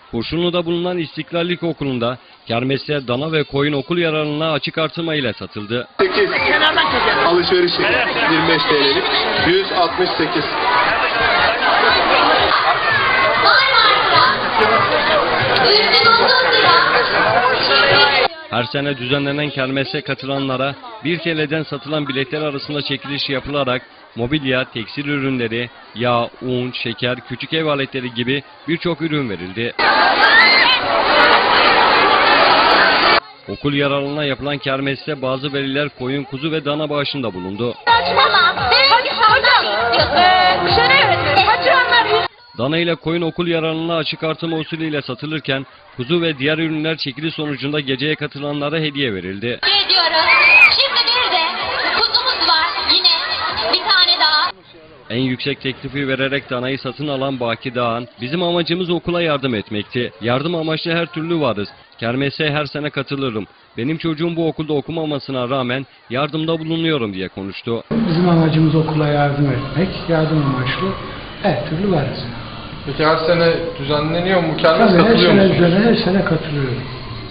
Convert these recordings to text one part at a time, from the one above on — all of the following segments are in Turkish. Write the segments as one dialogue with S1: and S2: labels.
S1: Kurşunlu'da bulunan İstiklal İlkokulu'nda kermeste dana ve koyun okul yararına açık artırma ile satıldı.
S2: 8 alışverişi 25 TL'lik 168.
S1: Her sene düzenlenen kermese katılanlara 1 TL'den satılan biletler arasında çekiliş yapılarak mobilya, tekstil ürünleri, yağ, un, şeker, küçük ev aletleri gibi birçok ürün verildi. Okul yararına yapılan kermeste bazı veliler koyun, kuzu ve dana bağışında bulundu. Dana ile koyun okul yararına açık artırma usulüyle satılırken kuzu ve diğer ürünler çekiliş sonucunda geceye katılanlara hediye verildi.
S3: Şimdi bir de kuzumuz var, yine bir tane daha.
S1: En yüksek teklifi vererek danayı satın alan Baki Dağan, "Bizim amacımız okula yardım etmekti. Yardım amaçlı her türlü varız. Kermese her sene katılırım. Benim çocuğum bu okulda okumamasına rağmen yardımda bulunuyorum" diye konuştu.
S4: Bizim amacımız okula yardım etmek, yardım amaçlı her türlü varız.
S2: Peki her sene düzenleniyor mu? Kermes
S4: Tabii
S2: katılıyor musunuz?
S4: her sene katılıyorum.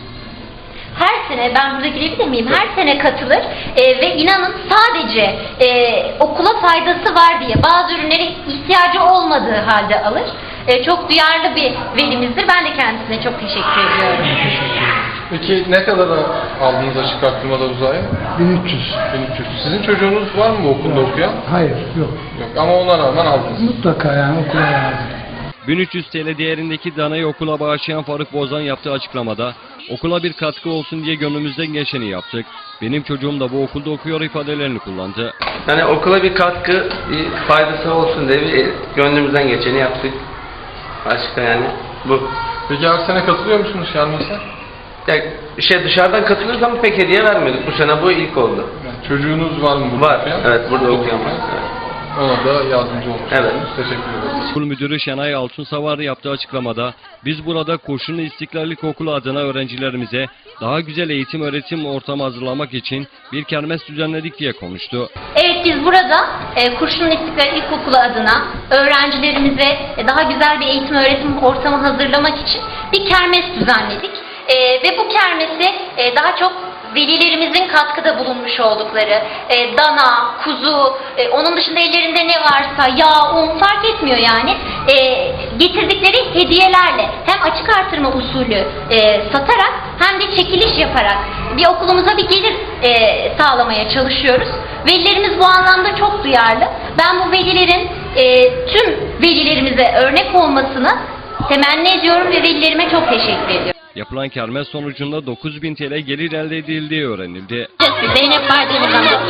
S3: Her sene, ben burada girebilir miyim? Her sene katılır ve inanın sadece okula faydası var diye bazı ürünlere ihtiyacı olmadığı halde alır. Çok duyarlı bir velimizdir. Ben de kendisine çok teşekkür ediyorum.
S2: Peki ne kadara aldınız açık arttırmada uzaya?
S4: 1300.
S2: 1300. Sizin çocuğunuz var mı bu okulda okuyan?
S4: Hayır, yok.
S2: Yok ama ona rağmen aldınız.
S4: Mutlaka yani okula yardım.
S1: 1300 TL değerindeki danayı okula bağışlayan Faruk Bozan yaptığı açıklamada, "Okula bir katkı olsun diye gönlümüzden geçeni yaptık. Benim çocuğum da bu okulda okuyor" ifadelerini kullandı.
S5: Yani okula bir katkı, bir faydası olsun diye bir gönlümüzden geçeni yaptık. Başka yani bu.
S2: Peki her sene katılıyor musunuz kermese?
S5: Ya, dışarıdan katılırız ama pek hediye vermedik. Bu sene bu ilk oldu.
S2: Yani çocuğunuz var mı burada
S5: Var.
S2: okuyan?
S5: Evet, burada okuyan var. Evet.
S2: Ona da yardımcı olmuşsunuz.
S5: Evet.
S2: Teşekkür ederiz.
S1: Okul müdürü Şenay Altunsavar yaptığı açıklamada, "Biz burada Kurşunlu İstiklal İlkokulu adına öğrencilerimize daha güzel eğitim öğretim ortamı hazırlamak için bir kermes düzenledik" diye konuştu.
S3: Evet, biz burada Kurşunlu İstiklal İlkokulu adına öğrencilerimize daha güzel bir eğitim öğretim ortamı hazırlamak için bir kermes düzenledik. Ve bu kermesi daha çok velilerimizin katkıda bulunmuş oldukları dana, kuzu, onun dışında ellerinde ne varsa yağ, un fark etmiyor yani, getirdikleri hediyelerle hem açık artırma usulü satarak hem de çekiliş yaparak bir okulumuza bir gelir sağlamaya çalışıyoruz. Velilerimiz bu anlamda çok duyarlı. Ben bu velilerin tüm velilerimize örnek olmasını temenni ediyorum ve velilerime çok teşekkür ediyorum.
S1: Yapılan kermes sonucunda 9.000 TL gelir elde edildiği öğrenildi.
S3: Zeynep Bardemir,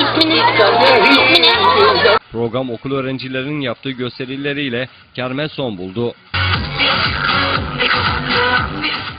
S3: isminiz?
S1: Program okul öğrencilerinin yaptığı gösterileriyle kermes son buldu.